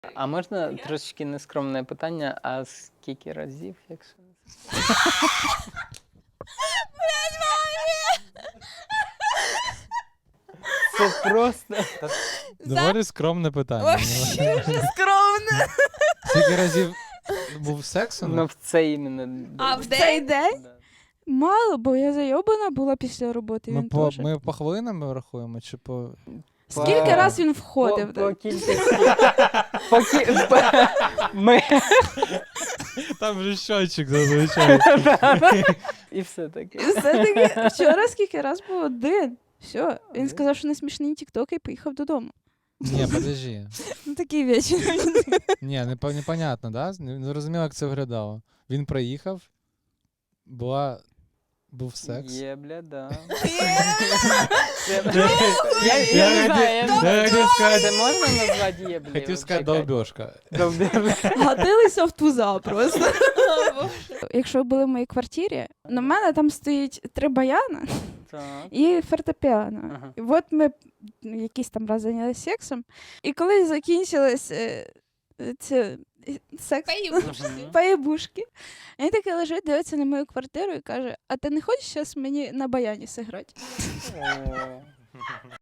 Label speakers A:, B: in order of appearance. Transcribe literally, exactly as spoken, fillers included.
A: А можна трошечки нескромне питання, а скільки разів, якщо не Це просто...
B: Доволі скромне питання.
C: Вообще вже скромно.
B: Скільки разів був секс?
A: Ну, в це іменно...
C: А в
D: Цей день?
A: Да.
D: Мало, бо я зайобана була після роботи.
B: Ми
D: Він
B: по,
D: теж.
B: ми по хвилинам рахуємо, чи по.
D: Скільки
A: По-
D: раз він
A: По,
D: входив?
A: по кількості... По кі- по- Ми...
B: Там вже щочик зазвичай.
A: І все таке.
D: І все-таки вчора скільки раз був один. Все, він
A: Один?
D: сказав, що не смішний тікток і поїхав додому.
B: Ні, подожди.
D: Ну такий вечір.
B: Ні, не, по- непонятно, да? Не не зрозуміло, як це виглядало. Він приїхав, була... був секс.
A: Є, бля, да.
B: Я-
A: Я я не
B: я
A: знаю, я не
B: хотів-
A: знаю.
B: я хотів сказати-
A: Це можна назвати є, бля?
B: Хотів сказати долбьошка.
D: Гатилися в туза просто. Якщо ви були в моїй квартирі, на мене там стоїть три баяна
A: Так.
D: і фортепіано.
A: Ага.
D: І от ми ну, якийсь там раз зайнялися сексом. І коли закінчилось е, е, це, е, секс, поєбушки, він таки лежить, дивиться на мою квартиру і каже: а ти не хочеш зараз мені на баяні зіграти?
A: О.